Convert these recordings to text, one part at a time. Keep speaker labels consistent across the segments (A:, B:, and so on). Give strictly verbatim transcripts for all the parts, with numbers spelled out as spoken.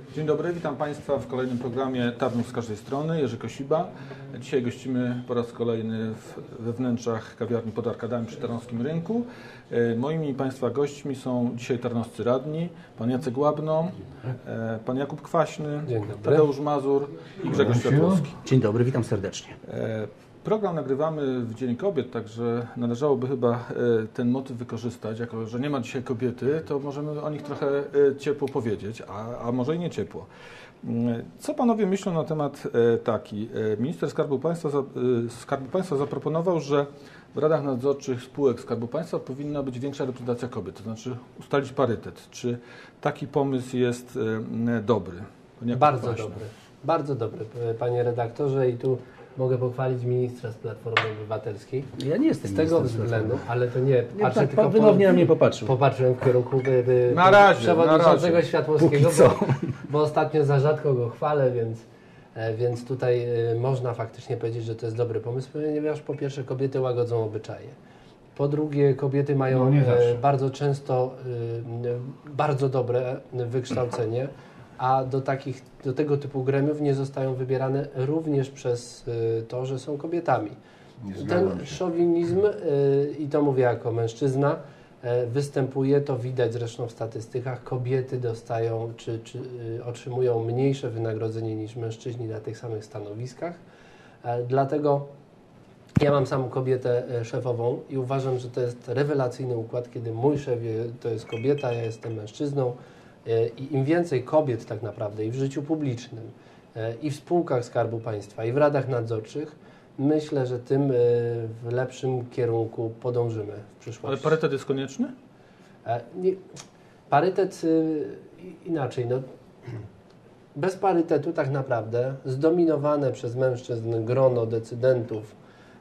A: Dzień dobry, witam Państwa w kolejnym programie Tarnów z każdej strony. Jerzy Kosiba. Dzisiaj gościmy po raz kolejny we wnętrzach kawiarni pod Arkadami przy Tarnowskim Rynku. Moimi Państwa gośćmi są dzisiaj tarnowscy radni, pan Jacek Łabno, pan Jakub Kwaśny, Tadeusz Mazur i Grzegorz Światłowski.
B: Dzień dobry, witam serdecznie.
A: Program nagrywamy w Dzień Kobiet, także należałoby chyba ten motyw wykorzystać. Jako że nie ma dzisiaj kobiety, to możemy o nich trochę ciepło powiedzieć, a, a może i nie ciepło. Co panowie myślą na temat taki? Minister Skarbu Państwa, Skarbu Państwa zaproponował, że w radach nadzorczych spółek Skarbu Państwa powinna być większa reprezentacja kobiet, to znaczy ustalić parytet. Czy taki pomysł jest dobry?
C: Bardzo Kwaśny. dobry. Bardzo dobry, panie redaktorze, i tu mogę pochwalić ministra z Platformy Obywatelskiej.
B: Ja nie jestem
C: z tego względu, ale to nie.
B: nie patrzę, tak, tylko wymownie na mnie popatrzył.
C: Popatrzyłem w kierunku by, by,
A: na razie,
C: przewodniczącego
A: na razie.
C: Światłowskiego, bo, bo ostatnio za rzadko go chwalę, więc, więc tutaj można faktycznie powiedzieć, że to jest dobry pomysł, ponieważ po pierwsze kobiety łagodzą obyczaje. Po drugie, kobiety mają no, bardzo często bardzo dobre wykształcenie, a do, takich, do tego typu gremiów nie zostają wybierane również przez y, to, że są kobietami. Ten szowinizm, y, i to mówię jako mężczyzna, y, występuje, to widać zresztą w statystykach, kobiety dostają czy, czy y, otrzymują mniejsze wynagrodzenie niż mężczyźni na tych samych stanowiskach. Y, dlatego ja mam samą kobietę y, szefową i uważam, że to jest rewelacyjny układ, kiedy mój szef to jest kobieta, ja jestem mężczyzną. I im więcej kobiet tak naprawdę i w życiu publicznym, i w spółkach Skarbu Państwa, i w radach nadzorczych, myślę, że tym w lepszym kierunku podążymy w przyszłości.
A: Ale parytet jest konieczny?
C: Nie, parytet inaczej. No, bez parytetu tak naprawdę zdominowane przez mężczyzn grono decydentów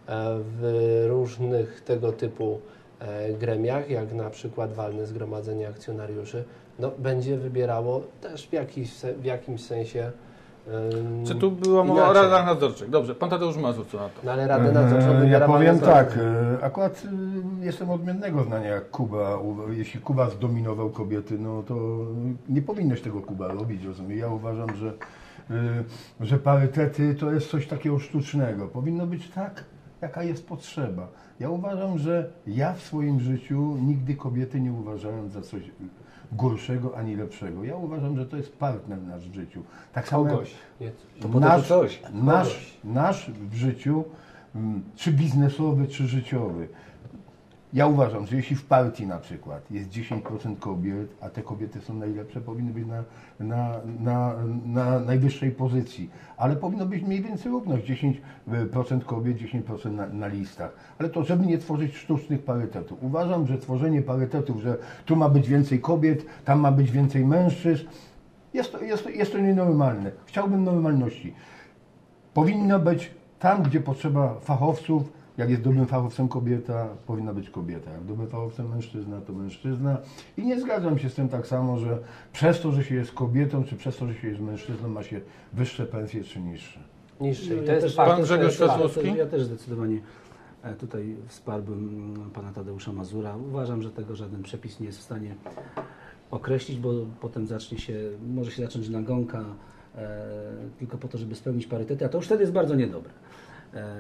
C: w różnych tego typu gremiach, jak na przykład walne zgromadzenie akcjonariuszy, no, będzie wybierało też w, jakiś, w jakimś sensie um,
A: Czy tu była mowa o radach nadzorczych? Dobrze, pan Tadeusz Mazur, co na to?
C: No, ale radę nadzorczą wybiera.
D: Ja powiem tak, akurat jestem odmiennego zdania jak Kuba. Jeśli Kuba zdominował kobiety, no to nie powinnoś tego, Kuba, robić, rozumiem. Ja uważam, że, że parytety to jest coś takiego sztucznego. Powinno być tak, jaka jest potrzeba. Ja uważam, że ja w swoim życiu nigdy kobiety nie uważałem za coś gorszego ani lepszego. Ja uważam, że to jest partner nasz w życiu. Tak samo
C: Kogoś.
D: To nasz, coś. Nasz, nasz w życiu, czy biznesowy, czy życiowy. Ja uważam, że jeśli w partii na przykład jest dziesięć procent kobiet, a te kobiety są najlepsze, powinny być na, na, na, na najwyższej pozycji. Ale powinno być mniej więcej równość, dziesięć procent kobiet, dziesięć procent na, na listach. Ale to, żeby nie tworzyć sztucznych parytetów. Uważam, że tworzenie parytetów, że tu ma być więcej kobiet, tam ma być więcej mężczyzn, jest to, jest to, jest to nienormalne. Chciałbym normalności. Powinno być tam, gdzie potrzeba fachowców. Jak jest dobrym fachowcem kobieta, powinna być kobieta. Jak dobrym fachowcem mężczyzna, to mężczyzna. I nie zgadzam się z tym tak samo, że przez to, że się jest kobietą, czy przez to, że się jest mężczyzną, ma się wyższe pensje, czy niższe.
C: Niższe.
B: No,
C: to
B: ja
C: jest
B: też,
C: fakt.
A: Pan Grzegorz Światłowski?
B: Ja też zdecydowanie tutaj wsparłbym pana Tadeusza Mazura. Uważam, że tego żaden przepis nie jest w stanie określić, bo potem zacznie się, może się zacząć nagonka e, tylko po to, żeby spełnić parytety, a to już wtedy jest bardzo niedobre. E,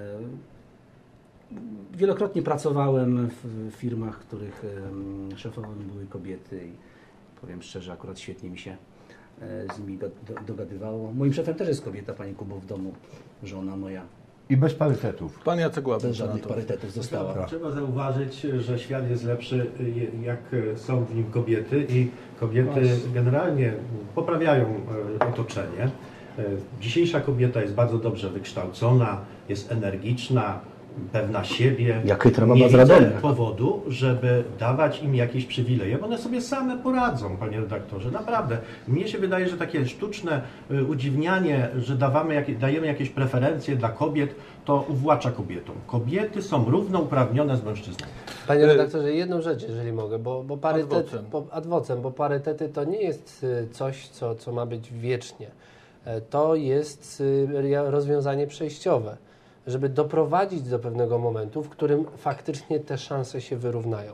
B: Wielokrotnie pracowałem w firmach, których szefowami były kobiety i powiem szczerze, akurat świetnie mi się z nimi dogadywało. Moim szefem też jest kobieta, pani Kubo, w domu, żona moja.
D: I bez parytetów.
A: Pan Jacek Łabno.
B: Bez żadnych parytetów została.
E: Trzeba, trzeba zauważyć, że świat jest lepszy, jak są w nim kobiety i kobiety generalnie poprawiają otoczenie. Dzisiejsza kobieta jest bardzo dobrze wykształcona, jest energiczna, pewna siebie.
B: Jak chytra baba
E: nie
B: z Radomia.
E: widzę powodu, żeby dawać im jakieś przywileje, bo one sobie same poradzą, panie redaktorze. Naprawdę. Mnie się wydaje, że takie sztuczne udziwnianie, że dawamy, jak, dajemy jakieś preferencje dla kobiet, to uwłacza kobietom. Kobiety są równouprawnione z mężczyznami.
C: Panie redaktorze, jedną rzecz, jeżeli mogę, bo, bo parytet,
A: Adwocem.
C: bo, adwocem, bo parytety to nie jest coś, co, co ma być wiecznie. To jest rozwiązanie przejściowe, żeby doprowadzić do pewnego momentu, w którym faktycznie te szanse się wyrównają.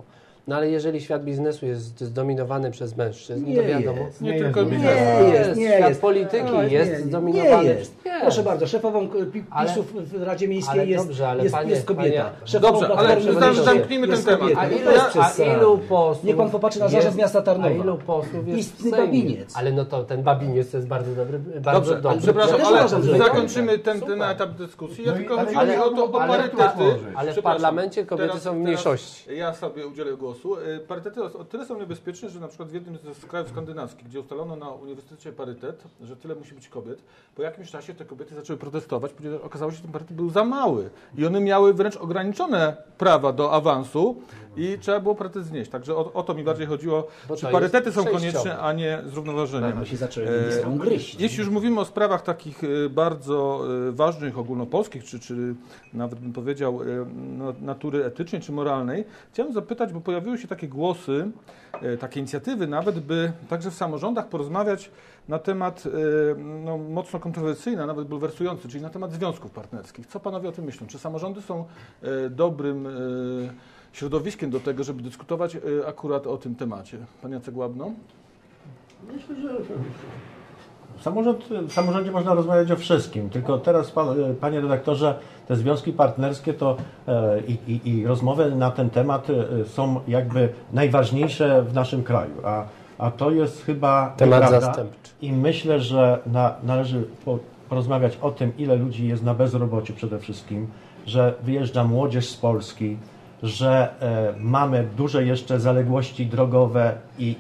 C: No ale jeżeli świat biznesu jest zdominowany przez mężczyzn,
B: Nie
C: to wiadomo.
B: jest.
A: Nie
D: Nie
A: tylko
D: jest.
A: biznes.
B: Nie jest, nie
C: Świat
B: jest.
C: polityki
B: Ale
C: jest
B: nie,
C: zdominowany.
B: Nie jest.
C: Jest.
B: Proszę bardzo, szefową pi-
C: Ale-
B: PiSu w Radzie Miejskiej
C: ale
B: jest,
C: dobrze, ale
B: jest,
C: panie-
B: jest kobieta.
C: panie-
B: Szefową
A: Dobrze, ale
B: Platformy
A: zam-
B: Obywatelskiej
A: zamknijmy
B: jest
A: ten temat.
B: kobieta.
C: A
B: No
C: ilu,
B: bez
C: a
B: przesady.
C: ilu posłów
B: Niech pan popatrzy na
C: jest-
B: zarząd miasta Tarnowa.
C: A ilu posłów jest
B: Istny
C: w Sejmie?
B: babiniec.
C: Ale no to ten babiniec to jest bardzo dobry, bardzo
A: Dobrze,
C: dobry.
A: przepraszam,
B: Ja też
A: ale
B: uważam, że
A: zakończymy ten,
C: Super.
A: ten etap dyskusji. Ja
D: No i-
A: tylko
D: ale-
A: chodzi mi
C: ale-
A: o to, o
C: ale-
A: parytety.
C: ale w
A: Przepraszam,
C: parlamencie kobiety
A: teraz-
C: są w
A: teraz
C: mniejszości.
A: Ja sobie udzielę głosu. Y, Parytety o tyle są niebezpieczne, że na przykład w jednym z krajów skandynawskich, gdzie ustalono na uniwersytecie parytet, że tyle musi być kobiet, po jakimś czasie te kobiety zaczęły protestować, ponieważ okazało się, że ten parytet był za mały i one miały wręcz ograniczone prawa do awansu i trzeba było parytet znieść. Także o, o to mi bardziej chodziło,
C: Bo
A: czy
C: to
A: parytety
C: jest
A: są
C: przejściowe.
A: konieczne, a nie zrównoważeniem.
B: Bo się zaczęły
A: E,
B: między sobą gryźć.
A: Jeśli już mówimy o sprawach takich e, bardzo e, ważnych, ogólnopolskich, czy, czy nawet bym powiedział e, no, natury etycznej czy moralnej, chciałem zapytać, bo pojawiły się takie głosy, e, takie inicjatywy nawet, by także w samorządach porozmawiać na temat e, no, mocno kontrowersyjny, a nawet bulwersujący, czyli na temat związków partnerskich. Co panowie o tym myślą? Czy samorządy są e, dobrym e, środowiskiem do tego, żeby dyskutować e, akurat o tym temacie? Pan Jacek Łabno?
E: Myślę, że samorząd, w samorządzie można rozmawiać o wszystkim, tylko teraz, pan, panie redaktorze, te związki partnerskie to e, i, i, i rozmowy na ten temat e, są jakby najważniejsze w naszym kraju, a, a to jest chyba
C: Temat
E: nieprawda.
C: zastępczy.
E: I myślę, że na, należy po, porozmawiać o tym, ile ludzi jest na bezrobociu przede wszystkim, że wyjeżdża młodzież z Polski, że e, mamy duże jeszcze zaległości drogowe i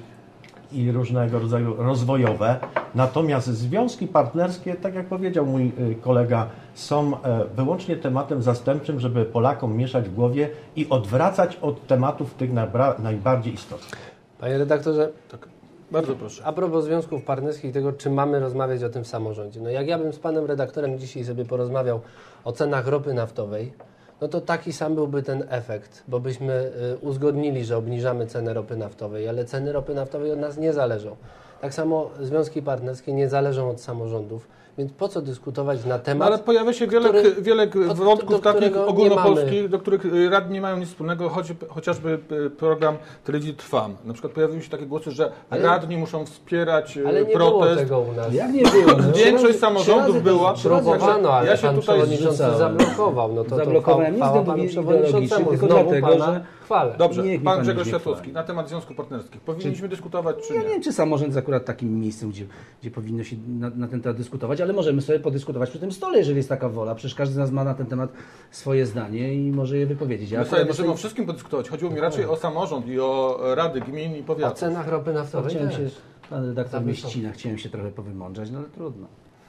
E: i różnego rodzaju rozwojowe. Natomiast związki partnerskie, tak jak powiedział mój y, kolega, są e, wyłącznie tematem zastępczym, żeby Polakom mieszać w głowie i odwracać od tematów tych najbra- najbardziej istotnych.
C: Panie redaktorze,
A: Tak, bardzo proszę.
C: a propos związków partnerskich i tego, czy mamy rozmawiać o tym w samorządzie. No jak ja bym z panem redaktorem dzisiaj sobie porozmawiał o cenach ropy naftowej, no to taki sam byłby ten efekt, bo byśmy y, uzgodnili, że obniżamy cenę ropy naftowej, ale ceny ropy naftowej od nas nie zależą. Tak samo związki partnerskie nie zależą od samorządów, więc po co dyskutować na
A: No,
C: temat...
A: ale pojawia się wiele,
C: który-
A: wiele
C: od-
A: wątków
C: do
A: takich
C: którego nie
A: ogólnopolskich,
C: mamy.
A: do których y, radni nie mają nic wspólnego, choć, chociażby y, program telewizji Trwam. Na przykład pojawiły się takie głosy, że
C: Ale-
A: radni muszą wspierać y,
C: Ale nie było
A: protest.
C: tego u nas.
B: Jak nie było? No, trzy
A: Większość
B: razy-
A: samorządów
B: trzy razy
A: była.
B: to- trzy razy-
C: Próbowano, ale
A: Ja się
C: pan
A: tutaj
C: przewodniczący
B: zrzucałem.
C: zablokował. No to, to
B: Zablokowałem nie
C: chwała
B: względów
C: panu
B: ideologicznych,
C: przewodniczącemu.
B: tylko
C: Znowu
B: dlatego,
C: pana
B: że-
C: chwalę.
A: Dobrze,
B: Niech mi
A: pan
B: pan
A: Grzegorz
B: nie
A: Światłowski,
B: chwali.
A: na temat związków partnerskich. Powinniśmy dyskutować czy
B: Ja
A: nie?
B: nie wiem, czy samorząd jest akurat takim miejscem, gdzie, gdzie powinno się na, na ten temat dyskutować, ale możemy sobie podyskutować przy tym stole, jeżeli jest taka wola. Przecież każdy z nas ma na ten temat swoje zdanie i może je wypowiedzieć. Ja
A: My sobie
B: akurat
A: możemy o
B: jestem-
A: wszystkim podyskutować. Chodziło mi raczej o samorząd i o rady gmin i
C: O
A: powiatów.
C: cenach ropy naftowej
B: Chciałem
C: też.
B: się, pan redaktor mnie
C: Zamykam.
B: ścina, chciałem się trochę powymądrzać, no ale trudno.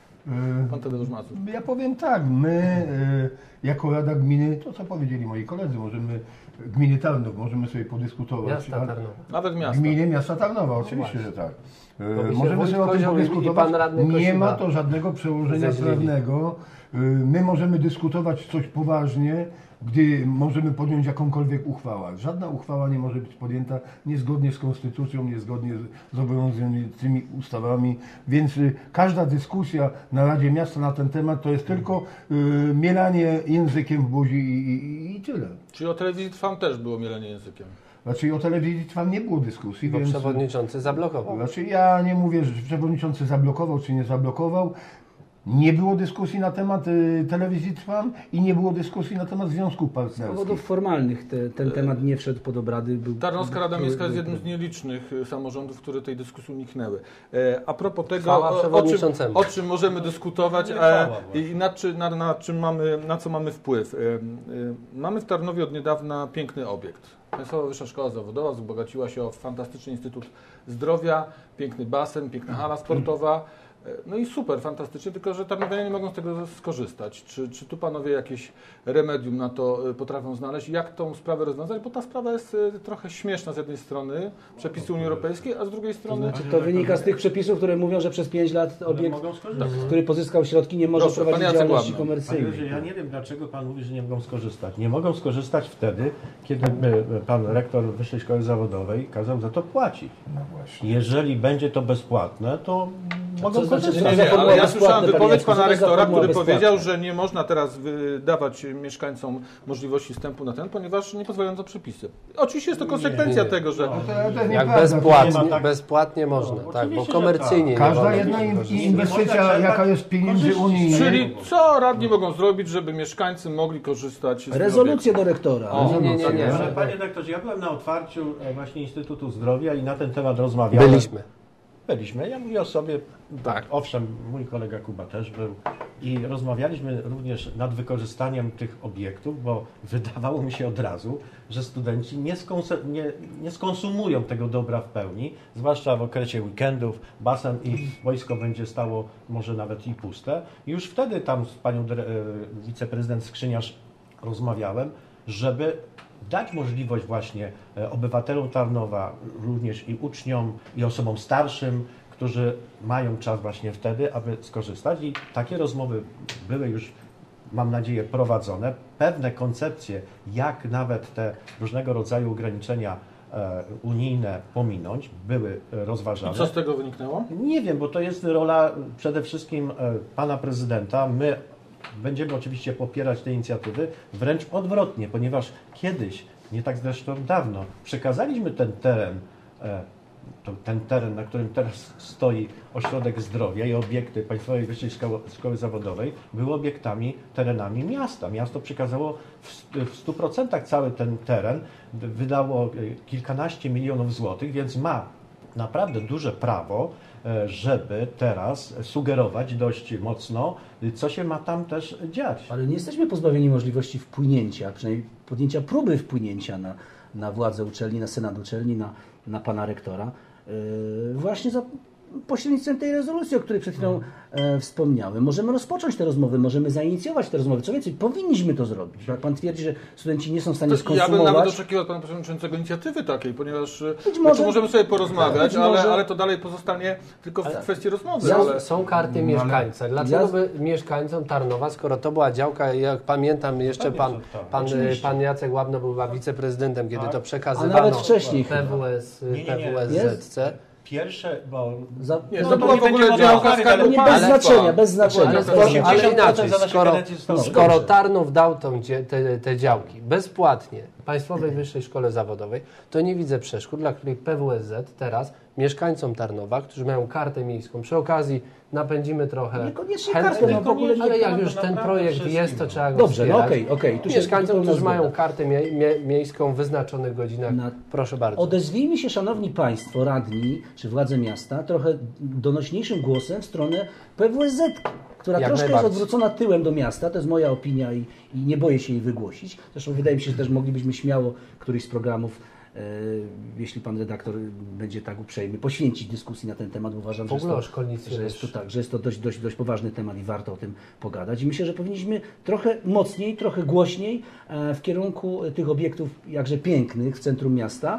A: Pan Tadeusz Mazur.
D: Ja powiem tak, my y, jako Rada Gminy, to co powiedzieli moi koledzy, możemy, gminy Tarnów, możemy sobie podyskutować.
C: Miasta
D: ale-
C: Tarnowa.
A: Nawet miasta.
D: Gminy miasta Tarnowa, oczywiście, że tak. E,
C: Bo mi się
D: Możemy
C: wójt
D: sobie o tym
C: Kozioł i- i
D: podyskutować.
C: pan radny
D: Nie
C: Kosiba
D: ma to żadnego przełożenia
C: zeźlili.
D: prawnego. E, My możemy dyskutować coś poważnie, gdy możemy podjąć jakąkolwiek uchwałę. Żadna uchwała nie może być podjęta niezgodnie z konstytucją, niezgodnie z obowiązującymi ustawami, więc y, każda dyskusja na Radzie Miasta na ten temat to jest tylko y, mielanie językiem w buzi i, i, i tyle.
A: Czyli o telewizji Trwam też było mielenie językiem.
D: Znaczy o telewizji Trwam nie było dyskusji,
C: Bo
D: więc...
C: przewodniczący zablokował.
D: Znaczy ja nie mówię, że przewodniczący zablokował czy nie zablokował. Nie było dyskusji na temat y, telewizji Trwam i nie było dyskusji na temat związków
B: Z powodów
D: partnerskich.
B: formalnych te, ten temat nie wszedł pod obrady. Był,
A: Tarnowska Rada
B: był-
A: Miejska jest
B: był-
A: jednym z nielicznych y, samorządów, które tej dyskusji uniknęły. E, a propos tego,
C: Chwała
A: o, o, czym,
C: przewodniczącemu.
A: o czym możemy dyskutować e, i na, czy, na, na, czym mamy, na co mamy wpływ. E, e, mamy w Tarnowie od niedawna piękny obiekt. Państwowa Wyższa Szkoła Zawodowa wzbogaciła się o fantastyczny Instytut Zdrowia, piękny basen, piękna hala sportowa. No i super, fantastycznie, tylko że tarnowianie nie mogą z tego skorzystać. Czy, czy tu panowie jakieś remedium na to y, potrafią znaleźć? Jak tą sprawę rozwiązać? Bo ta sprawa jest y, trochę śmieszna z jednej strony, przepisy Unii Europejskiej, a z drugiej strony...
B: Znaczy, to wynika z tych przepisów, które mówią, że przez pięć lat obiekt,
E: mogą skorzystać.
B: który pozyskał środki, nie może
A: Proszę, pan
B: prowadzić
A: Jacek
B: działalności
A: Łabno.
E: Panie
B: komercyjnej.
E: Józefie, ja nie wiem, dlaczego Pan mówi, że nie mogą skorzystać. Nie mogą skorzystać wtedy, kiedy e, Pan Rektor Wyższej Szkoły Zawodowej kazał za to płacić.
D: No właśnie.
E: Jeżeli będzie to bezpłatne, to
D: mogą
B: to znaczy,
D: korzystać.
A: Nie, nie,
B: formuła
A: ale ja
B: bezpłatna,
A: słyszałem
B: panie
A: wypowiedź
B: Jacku,
A: pana
B: co to za
A: rektora,
B: formuła
A: który
B: bezpłatna?
A: powiedział, że nie można teraz dawać mieszkańcom możliwości wstępu na ten, ponieważ nie pozwalają to przepisy. Oczywiście jest to konsekwencja
C: nie, nie.
A: tego, że...
D: No to, to jest
C: Jak
D: nieprawda.
C: bezpłatnie,
E: nie ma tak-
C: bezpłatnie można,
E: No,
C: tak, bo
E: oczywiście, że
C: komercyjnie nie
D: Każda
C: wolno
D: jedna
C: tego
D: in-
C: korzystać.
D: inwestycja,
E: Można
D: jaka
E: czerpać
D: jest pieniędzy
E: korzyści.
D: unijnych,
A: Czyli co radni mogą zrobić, żeby mieszkańcy mogli korzystać z tych
B: Rezolucję
A: obiektów?
B: do rektora.
A: O,
C: Nie, nie, nie, nie.
E: Ale panie doktorze, ja byłem na otwarciu e, właśnie Instytutu Zdrowia i na ten temat rozmawiałem.
C: Byliśmy.
E: Byliśmy. Ja mówię o sobie,
C: Tak.
E: owszem, mój kolega Kuba też był i rozmawialiśmy również nad wykorzystaniem tych obiektów, bo wydawało mi się od razu, że studenci nie, skonse- nie, nie skonsumują tego dobra w pełni, zwłaszcza w okresie weekendów, basen i wojsko będzie stało może nawet i puste. I już wtedy tam z panią dyre- e, wiceprezydent Skrzyniarz rozmawiałem, żeby dać możliwość właśnie e, obywatelom Tarnowa, również i uczniom, i osobom starszym, którzy mają czas właśnie wtedy, aby skorzystać. I takie rozmowy były już, mam nadzieję, prowadzone. Pewne koncepcje, jak nawet te różnego rodzaju ograniczenia e, unijne pominąć, były e, rozważane.
A: I co z tego wyniknęło?
E: Nie wiem, bo to jest rola przede wszystkim e, pana prezydenta. My będziemy oczywiście popierać te inicjatywy, wręcz odwrotnie, ponieważ kiedyś, nie tak zresztą dawno, przekazaliśmy ten teren, e, to, ten teren, na którym teraz stoi Ośrodek Zdrowia i obiekty Państwowej Wyższej Szkoły, Szkoły Zawodowej, były obiektami, terenami miasta. Miasto przekazało w, w stu procentach cały ten teren, wydało e, kilkanaście milionów złotych, więc ma naprawdę duże prawo, żeby teraz sugerować dość mocno, co się ma tam też dziać.
B: Ale nie jesteśmy pozbawieni możliwości wpłynięcia, przynajmniej podjęcia próby wpłynięcia na, na władzę uczelni, na senat uczelni, na, na pana rektora. Yy, właśnie za pośrednictwem tej rezolucji, o której przed chwilą e, wspomniałem. Możemy rozpocząć te rozmowy, możemy zainicjować te rozmowy. Co więcej, powinniśmy to zrobić. Jak pan twierdzi, że studenci nie są w stanie
A: To ja bym
B: skonsumować...
A: nawet oczekiwał od pana przewodniczącego inicjatywy takiej, ponieważ
B: Być
A: może,
B: może-
A: możemy sobie porozmawiać,
B: być
A: ale,
B: może-
A: ale to dalej pozostanie tylko w kwestii rozmowy.
C: Są,
A: Ale...
C: są karty
D: No,
C: mieszkańca. Dlaczego
B: Ja-
C: by mieszkańcom Tarnowa, skoro to była działka, jak pamiętam jeszcze
E: Pewnie,
C: pan,
E: że tak.
C: pan,
E: Oczywiście.
C: pan Jacek Łabno był chyba wiceprezydentem, kiedy
E: Tak.
C: to
B: A
C: przekazywano
B: nawet wcześniej chyba.
C: P W S,
E: Nie, nie, nie.
C: P W S Z C.
E: Pierwsze, bo
B: Za...
A: Nie,
B: no,
A: to
E: to
A: była
E: nie
A: w ogóle
E: będziemy
A: działka
E: rozmawiać,
A: Skarbu
E: ale
B: nie,
A: Państwa.
B: bez znaczenia, bez znaczenia.
C: Ale,
B: bez
C: skoro,
B: znaczenia.
C: ale
E: osiemdziesiąt procent
C: inaczej,
E: za naszej
C: skoro,
E: kadencji zostało
C: skoro
B: dobrze.
C: Tarnów dał tą, dzie- te, te działki bezpłatnie Państwowej Wyższej Szkole Zawodowej, to nie widzę przeszkód, dla których P W S Z teraz mieszkańcom Tarnowa, którzy mają kartę miejską, przy okazji napędzimy trochę
B: Niekoniecznie
C: chętnych,
B: kartę, no w ogóle nie-
C: ale jak
E: to
C: już ten
E: naprawdę
C: projekt
E: wszystkim.
C: jest, to trzeba go
B: Dobrze, no
C: wspierać.
B: okej, okej, tu się
C: Mieszkańcom,
B: pełna
C: którzy mają
B: zgoda.
C: kartę mie, mie, miejską w wyznaczonych godzinach,
B: Na-
C: proszę bardzo.
B: Odezwijmy się, szanowni państwo, radni czy władze miasta, trochę donośniejszym głosem w stronę P W S Z, która
C: Jak
B: troszkę jest
C: najbardziej.
B: odwrócona tyłem do miasta. To jest moja opinia i, i nie boję się jej wygłosić. Zresztą wydaje mi się, że też moglibyśmy śmiało któryś z programów, e, jeśli pan redaktor będzie tak uprzejmy, poświęcić dyskusji na ten temat. Uważam,
C: W
B: że jest,
C: ogóle
B: to,
C: o szkolnictwie
B: że jest to
C: też.
B: tak, że jest to dość, dość, dość poważny temat i warto o tym pogadać. I myślę, że powinniśmy trochę mocniej, trochę głośniej e, w kierunku tych obiektów jakże pięknych w centrum miasta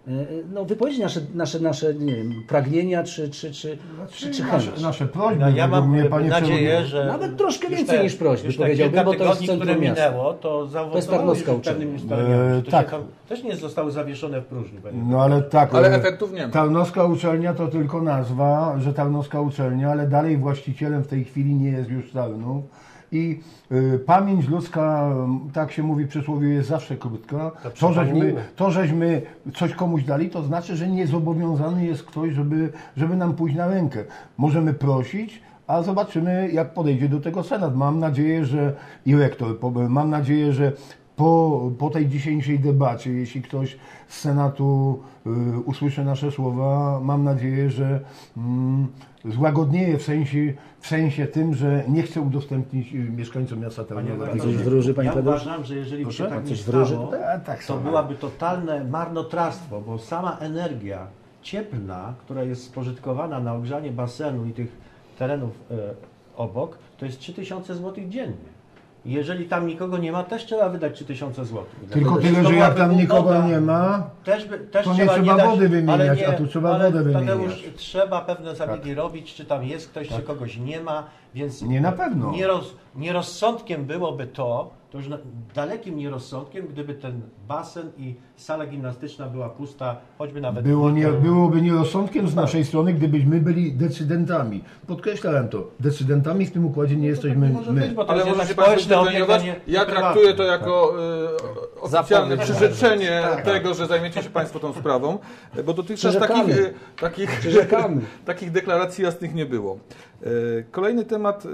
B: no, wypowiedzieć nasze, nasze, nasze nie wiem, pragnienia czy, czy, czy, czy, czy chęć.
D: nasze, nasze prośby,
E: no, ja
D: według
E: mam
D: mnie, panie
E: nadzieję,
D: przewodniczący.
E: że
B: Nawet troszkę
E: już
B: więcej
E: te-
B: niż prośby,
E: już te
B: powiedziałbym,
E: kilka
B: bo to jest
E: tygodni, które
B: centrum miasta.
E: minęło, to zaowocowało
B: Tarnowska
E: już
B: uczelnia.
E: pewnymi ustaleniami,
D: E,
E: które
D: tak.
E: tam też nie zostały zawieszone w próżni. panie
D: No ale tak,
A: Ale
D: e,
A: efektów nie ma.
D: Tarnowska uczelnia to tylko nazwa, że Tarnowska uczelnia, ale dalej właścicielem w tej chwili nie jest już Tarnów. I y, pamięć ludzka, tak się mówi przysłowie, jest zawsze krótka. To żeśmy,
C: przypomnijmy.
D: to, żeśmy coś komuś dali, to znaczy, że nie zobowiązany jest ktoś, żeby, żeby nam pójść na rękę. Możemy prosić, a zobaczymy, jak podejdzie do tego Senat. Mam nadzieję, że i rektor, po- mam nadzieję, że po, po tej dzisiejszej debacie, jeśli ktoś z Senatu y, usłyszy nasze słowa, mam nadzieję, że mm, złagodnieje w sensie, w sensie tym, że nie chce udostępnić y, mieszkańcom miasta Tarnowa.
B: Pan coś wróży, panie
E: Ja
B: Tadeusz?
E: uważam, że jeżeli by
D: Proszę?
E: się tak
B: Pan
E: nie
B: coś wróży
E: stało,
B: tutaj?
D: A, tak
E: to
D: samo.
E: byłaby totalne marnotrawstwo, bo sama energia cieplna, która jest spożytkowana na ogrzanie basenu i tych terenów e, obok, to jest trzy tysiące złotych dziennie. I jeżeli tam nikogo nie ma, też trzeba wydać trzy tysiące złotych.
D: Tylko
E: To
D: tyle, że
E: byłaby
D: jak tam
E: głupota.
D: nikogo nie ma,
E: Też, by, też
D: to nie
E: trzeba,
D: trzeba
E: dać,
D: wody wymieniać,
E: ale nie,
D: a tu trzeba
E: ale
D: wodę
E: Tadeusz,
D: wymieniać. Tak.
E: trzeba pewne zabiegi robić, czy tam jest ktoś, czy kogoś nie ma, więc
D: Nie na pewno.
E: Nieroz, nierozsądkiem byłoby to, to już na, dalekim nierozsądkiem, gdyby ten basen i sala gimnastyczna była pusta, choćby nawet...
D: Było nie, byłoby nierozsądkiem z naszej strony, gdybyśmy byli decydentami. Podkreślałem to. Decydentami w tym układzie nie jesteśmy
E: może
D: my.
E: być, bo to
A: Ale
E: jest
A: możecie
E: jednak
A: Państwo
E: społeczny obiekt, a
A: zdecydować.
E: nie-
A: Ja
E: nie
A: traktuję to
E: prywatny.
A: jako y, oficjalne
C: Zapowiedź.
A: przyrzeczenie
E: Tak, tak.
A: tego, że zajmiecie się Państwo tą sprawą, bo dotychczas
B: Przyrzekamy.
A: takich, y, takich,
B: Przyrzekamy.
A: takich deklaracji jasnych nie było. Y, Kolejny temat y,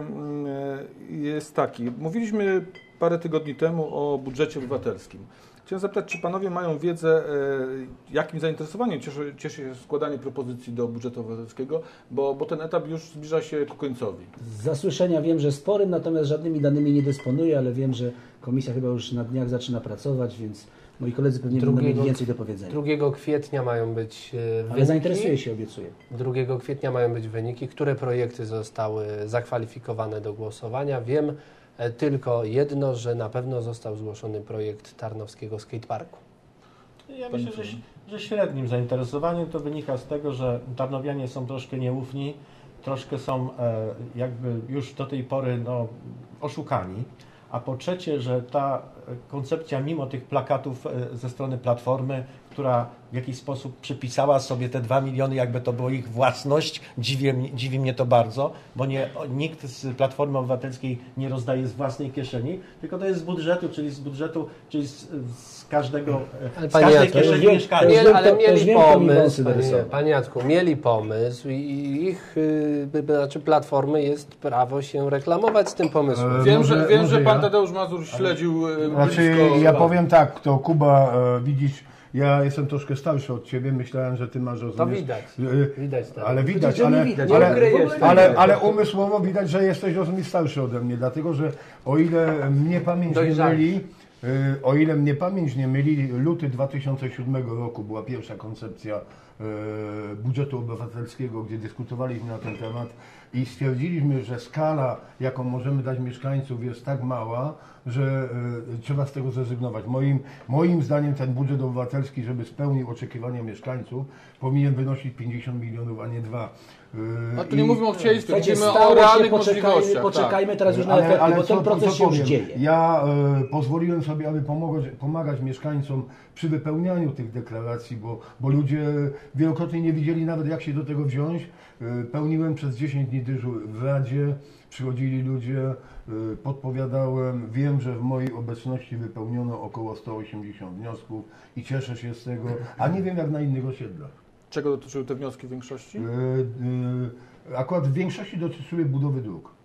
A: y, jest taki. Mówiliśmy parę tygodni temu o budżecie obywatelskim. Chciałem zapytać, czy Panowie mają wiedzę, y, jakim zainteresowaniem cieszy, cieszy się składanie propozycji do budżetu obywatelskiego, bo, bo ten etap już zbliża się ku końcowi.
B: Z zasłyszenia wiem, że sporym, natomiast żadnymi danymi nie dysponuję, ale wiem, że komisja chyba już na dniach zaczyna pracować, więc moi koledzy pewnie będą mieli więcej do powiedzenia.
C: drugiego kwietnia mają być e,
B: Ale
C: wyniki.
B: zainteresuję się, obiecuję.
C: drugiego kwietnia mają być wyniki, które projekty zostały zakwalifikowane do głosowania. Wiem e, tylko jedno, że na pewno został zgłoszony projekt Tarnowskiego Skateparku.
E: Ja myślę, że, że średnim zainteresowaniem to wynika z tego, że tarnowianie są troszkę nieufni, troszkę są e, jakby już do tej pory no, oszukani, a po trzecie, że ta koncepcja mimo tych plakatów e, ze strony Platformy, która w jakiś sposób przypisała sobie te dwa miliony, jakby to było ich własność, dziwi, dziwi mnie to bardzo, bo nie, nikt z Platformy Obywatelskiej nie rozdaje z własnej kieszeni, tylko to jest z budżetu, czyli z budżetu, czyli z, z każdego,
C: Ale
E: z
C: panie
E: każdej
C: Jacku,
E: kieszeni
B: wiem,
E: mieszkańca.
B: to już
C: Mieli,
B: wiem,
C: ale
B: to- to już
C: mieli
B: wiem, kto mi
C: pomysł,
B: wąsy
C: panie,
B: narysował.
C: panie Jacku, mieli pomysł i ich, y, y, znaczy Platformy jest prawo się reklamować z tym pomysłem.
D: E,
A: Wiem,
D: może-
A: że, wiem
D: może
A: że Pan
D: ja?
A: Tadeusz Mazur śledził y,
D: Znaczy,
A: blisko...
D: ja powiem tak, to Kuba, e, widzisz, ja jestem troszkę starszy od Ciebie, myślałem, że Ty masz
C: To
D: rozumiesz.
C: widać,
D: e,
C: widać tak.
D: Ale widać,
B: że nie
D: ale,
B: widać,
D: ale,
B: nie ukryjesz tego.
D: ale, ale umysłowo widać, że jesteś rozumiesz starszy ode mnie, dlatego że o ile mnie pamięć nie
C: Dojrzalszy.
D: myli, y, o ile mnie pamięć nie myli, luty dwa tysiące siódmego roku była pierwsza koncepcja y, budżetu obywatelskiego, gdzie dyskutowaliśmy na ten temat i stwierdziliśmy, że skala, jaką możemy dać mieszkańców, jest tak mała, że y, trzeba z tego zrezygnować. Moim, moim zdaniem ten budżet obywatelski, żeby spełnił oczekiwania mieszkańców, powinien wynosić pięćdziesiąt milionów, a nie dwa. Y,
A: A tu nie
D: i-
A: mówimy o chciejstwie,
B: Słuchajcie,
A: mówimy o
B: stało się,
A: realnych
B: poczekajmy,
A: możliwościach.
B: poczekajmy teraz już na
D: Ale-
B: efekty,
D: ale
B: bo
D: co-
B: ten proces
D: co
B: się już
D: powiem?
B: dzieje.
D: Ja e, pozwoliłem sobie, aby pomagać, pomagać mieszkańcom przy wypełnianiu tych deklaracji, bo, bo ludzie wielokrotnie nie widzieli nawet, jak się do tego wziąć. E, pełniłem przez dziesięć dni dyżur w Radzie, przychodzili ludzie, e, podpowiadałem. Wiem, że w mojej obecności wypełniono około sto osiemdziesiąt wniosków i cieszę się z tego, a nie wiem jak na innych osiedlach.
A: Czego dotyczyły te wnioski w większości?
D: E, e, akurat w większości dotyczyły budowy dróg.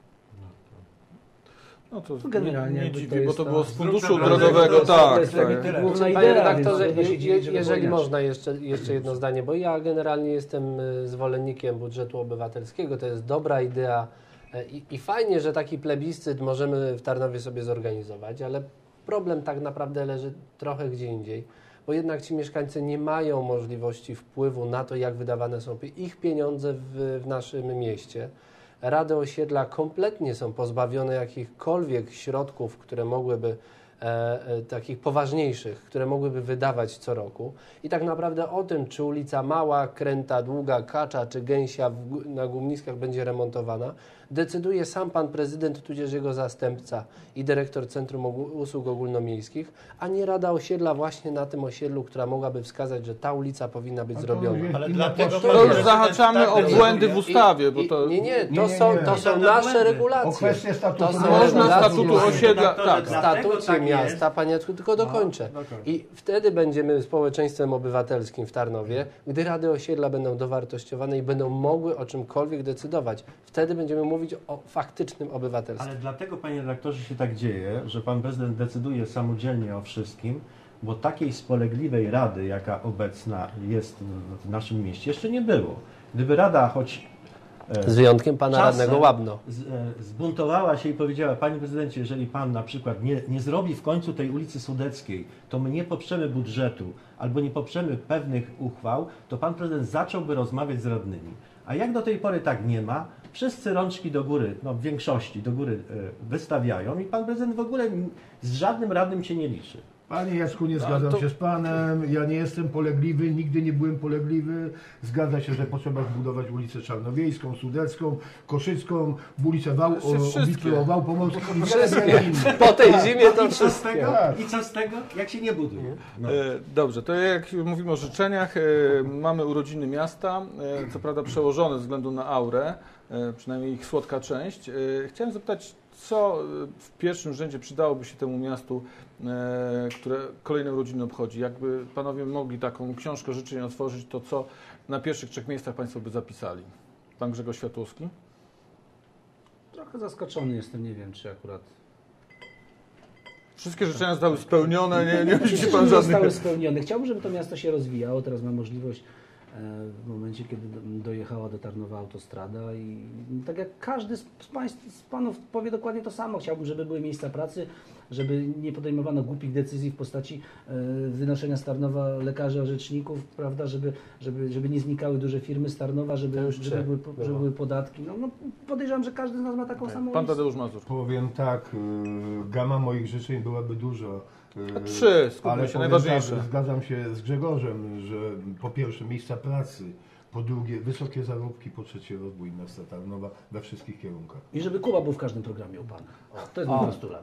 A: No to
B: generalnie
A: nie, nie
B: jakby
A: dziwi,
B: to
A: bo
B: jest
A: to
B: ta-
A: było z funduszu
E: Dróg
A: drogowego,
B: to
A: tak.
B: jest
A: tak.
E: tyle.
B: główna
C: Panie
B: idea,
C: redaktorze,
B: więc trudno się
C: je,
B: dziwić, że
C: jeżeli
B: wypełniasz.
C: można jeszcze, jeszcze jedno zdanie, bo ja generalnie jestem y, zwolennikiem budżetu obywatelskiego, to jest dobra idea e, i, i fajnie, że taki plebiscyt możemy w Tarnowie sobie zorganizować, ale problem tak naprawdę leży trochę gdzie indziej, bo jednak ci mieszkańcy nie mają możliwości wpływu na to, jak wydawane są ich pieniądze w, w naszym mieście. Rady osiedla kompletnie są pozbawione jakichkolwiek środków, które mogłyby, e, e, takich poważniejszych, które mogłyby wydawać co roku. I tak naprawdę o tym, czy ulica Mała, Kręta, Długa, Kacza czy Gęsia w, Gó- na Głumniskach będzie remontowana, decyduje sam pan prezydent, tudzież jego zastępca i dyrektor Centrum Ogó- Usług Ogólnomiejskich, a nie Rada Osiedla właśnie na tym osiedlu, która mogłaby wskazać, że ta ulica powinna być
D: A to
C: zrobiona.
D: jest
E: Ale
D: inna
E: dlatego
D: potrzeba.
A: To już
E: prezydent
A: zahaczamy
E: tak
A: o
E: decyduje.
A: błędy w ustawie, bo
C: I-
A: to...
C: Nie, nie, to
D: Nie, nie,
C: są,
D: nie.
C: to są
E: Żadne
C: nasze
E: błędy.
C: regulacje.
D: O kwestię statutu
C: To są
D: miasta.
A: Można
C: regulacje.
A: statutu osiedla,
E: Panie
A: tak.
C: W
E: redaktorze, dlatego
C: statucie
E: tak
C: miasta,
E: jest.
C: panie Jacku, tylko dokończę.
E: No, dokończ.
C: I wtedy będziemy społeczeństwem obywatelskim w Tarnowie, gdy rady osiedla będą dowartościowane i będą mogły o czymkolwiek decydować. Wtedy będziemy mówić o faktycznym obywatelstwie.
E: Ale dlatego, panie redaktorze, się tak dzieje, że pan prezydent decyduje samodzielnie o wszystkim, bo takiej spolegliwej rady, jaka obecna jest w- w naszym mieście, jeszcze nie było. Gdyby rada choć e,
C: Z wyjątkiem pana
E: czasem
C: radnego Łabno.
E: z, e, zbuntowała się i powiedziała: panie prezydencie, jeżeli pan na przykład nie, nie zrobi w końcu tej ulicy Sudeckiej, to my nie poprzemy budżetu albo nie poprzemy pewnych uchwał, to pan prezydent zacząłby rozmawiać z radnymi. A jak do tej pory tak nie ma, wszyscy rączki do góry, no w większości do góry e, wystawiają i pan prezydent w ogóle z żadnym radnym się nie liczy.
D: Panie Jacku, nie zgadzam
A: to...
D: się z Panem, ja nie jestem polegliwy, nigdy nie byłem polegliwy. Zgadza się, że potrzeba zbudować ulicę Czarnowiejską, Sudecką, Koszycką, ulicę Wał, o, Wał Pomorski i
C: Wszystkie. Po tej zimie to
E: I co z
C: wszystkie.
E: tego?
D: Tak.
E: I co z tego? Jak się nie buduje? No.
A: E, Dobrze, to jak mówimy o życzeniach, e, mamy urodziny miasta, e, co prawda przełożone ze względu na aurę, e, przynajmniej ich słodka część. E, Chciałem zapytać, co w pierwszym rzędzie przydałoby się temu miastu, e, które kolejne urodziny obchodzi? Jakby panowie mogli taką książkę życzeń otworzyć, to co na pierwszych trzech miejscach państwo by zapisali? Pan Grzegorz Światłowski?
B: Trochę zaskoczony jestem, nie wiem czy akurat...
A: Wszystkie życzenia zostały spełnione, nie, nie musi
B: Myślę,
A: pan
B: że zostały
A: żadnych...
B: spełnione. Chciałbym, żeby to miasto się rozwijało. Teraz mam możliwość w momencie, kiedy dojechała do Tarnowa autostrada i tak jak każdy z państw, z panów powie dokładnie to samo. Chciałbym, żeby były miejsca pracy, żeby nie podejmowano głupich decyzji w postaci wynoszenia z Tarnowa lekarzy, orzeczników, prawda, żeby, żeby, żeby nie znikały duże firmy z Tarnowa, żeby, żeby, były, żeby były podatki. No, no, podejrzewam, że każdy z nas ma taką samą
A: Pan
B: listę.
A: Tadeusz Mazur.
D: Powiem tak, y, gama moich życzeń byłaby dużo. y,
A: Trzy, skupmy
D: ale
A: się,
D: powiem
A: najważniejsze.
D: Tak, zgadzam się z Grzegorzem, że po pierwsze miejsca pracy, po drugie wysokie zarobki, po trzecie rozwój miasta Tarnowa we wszystkich kierunkach.
B: I żeby Kuba był w każdym programie u Pana. O, to jest mój postulat.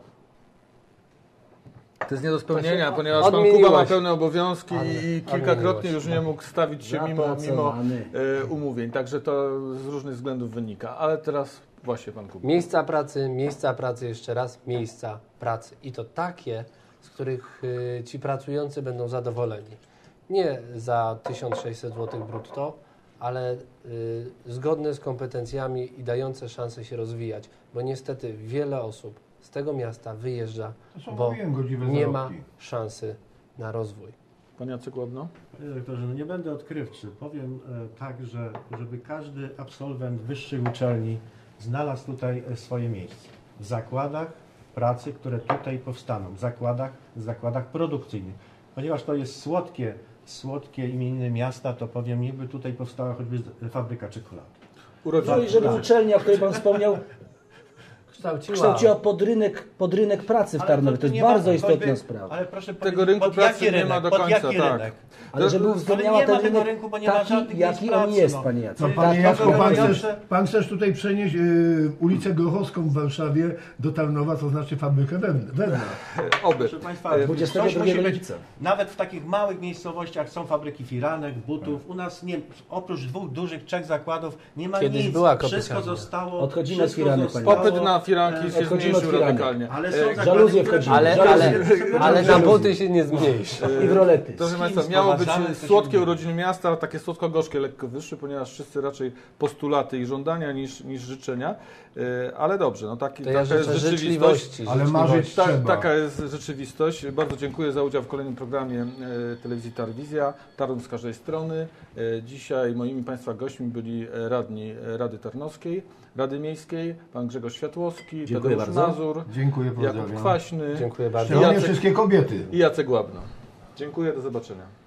A: To jest nie do spełnienia,
C: To się
A: ponieważ pan
C: odmieniłaś.
A: Kuba ma pełne obowiązki
C: Ale-
A: i
C: ale
A: kilkakrotnie
C: miłość,
A: już nie mógł stawić się mimo, mimo
B: Zapracowany.
A: e, umówień. Także to z różnych względów wynika. Ale teraz właśnie pan Kuba.
C: Miejsca pracy, miejsca pracy, jeszcze raz, miejsca pracy. I to takie, z których y, ci pracujący będą zadowoleni. Nie za tysiąc sześćset złotych brutto, ale y, zgodne z kompetencjami i dające szansę się rozwijać. Bo niestety wiele osób z tego miasta wyjeżdża,
D: To są,
C: bo
D: mówiłem, godziwe
C: nie ma
D: zarobki.
C: szansy na rozwój.
A: Pan Jacek Łabno?
E: Panie doktorze, no nie będę odkrywczy. Powiem e, tak, że żeby każdy absolwent wyższej uczelni znalazł tutaj e, swoje miejsce. W zakładach pracy, które tutaj powstaną. W zakładach, w zakładach produkcyjnych. Ponieważ to jest słodkie, słodkie imieniny miasta, to powiem, niby tutaj powstała choćby z- fabryka czekolady.
A: Urodziny.
B: No i żeby
E: Tak.
B: uczelnia, o której Pan wspomniał,
C: Kształciła.
B: kształciła podrynek, podrynek pracy w
E: Ale
B: Tarnowie. To jest
E: nie ma-
B: bardzo istotna
E: choćby-
B: sprawa.
E: Ale proszę
A: Tego
E: powiedzieć,
A: rynku
E: pod
A: pracy
E: jaki
A: nie ma
E: rynek,
A: do
E: pod
A: końca,
E: jaki
A: tak.
E: rynek?
B: Ale żeby
E: Ale
B: uwzględniała
E: nie ma
B: ten
E: tego
B: rynek
E: rynku, bo nie ma
B: taki,
E: żadnych
B: jaki
E: miejsc
B: on
E: pracy,
B: jest,
E: no.
B: Panie Jacek.
D: No,
E: Tak,
D: panie
E: tak,
D: Jacku, pan
E: tak,
D: chcesz,
E: tak.
D: pan chcesz tutaj przenieść y, ulicę Grochowską w Warszawie do Tarnowa, to znaczy fabrykę węd- wędna.
A: Oby.
E: Proszę Państwa,
A: E,
B: dwudziestego
E: coś musi
B: drugiego
E: być.
B: lipca.
E: Nawet w takich małych miejscowościach są fabryki firanek, butów. U nas nie, oprócz dwóch dużych, trzech zakładów nie ma
C: Kiedyś
E: nic.
C: była
E: Wszystko
C: kopyciarnia.
E: zostało.
B: Odchodzimy od
E: wszystko
B: firanek,
E: zostało,
A: Popyt na firanki
E: e,
A: się
B: odchodzimy od
A: zmniejszył
B: firanek.
A: radykalnie.
E: Ale
A: E,
E: są zakłady,
B: żaluzje
E: które-
B: wchodzimy.
C: Ale,
B: Żaluzje.
C: ale, ale na
B: Żaluzje.
C: buty się nie zmniejszy.
B: I w rolety.
A: Proszę
E: Z
A: Państwa,
E: kim
A: miało być
E: sprowadzamy, to się
A: słodkie
E: dzieje.
A: urodziny miasta, ale takie słodko-gorzkie lekko wyższe, ponieważ wszyscy raczej postulaty i żądania niż, niż życzenia. E, Ale dobrze, no taki,
C: To ja
A: taka jest
C: życzę
A: rzeczywistość.
C: życzliwości.
D: Ale
C: życzliwości.
D: marzyć
A: Ta,
D: trzeba.
A: taka jest rzeczywistość. Bardzo dziękuję za udział w kolejnym programie e, telewizji Tarwizja. Tarnów z każdej strony. E, dzisiaj moimi Państwa gośćmi byli e, radni e, Rady Tarnowskiej, Rady Miejskiej, pan Grzegorz Światłowski,
B: Dziękuję
A: Tadeusz
B: bardzo.
A: Mazur,
D: Dziękuję,
A: Jakub
D: pozdrawiam.
A: Kwaśny
C: Dziękuję bardzo.
D: Szczególnie
A: Jacek-
D: wszystkie kobiety.
A: i Jacek Łabno. Dziękuję, do zobaczenia.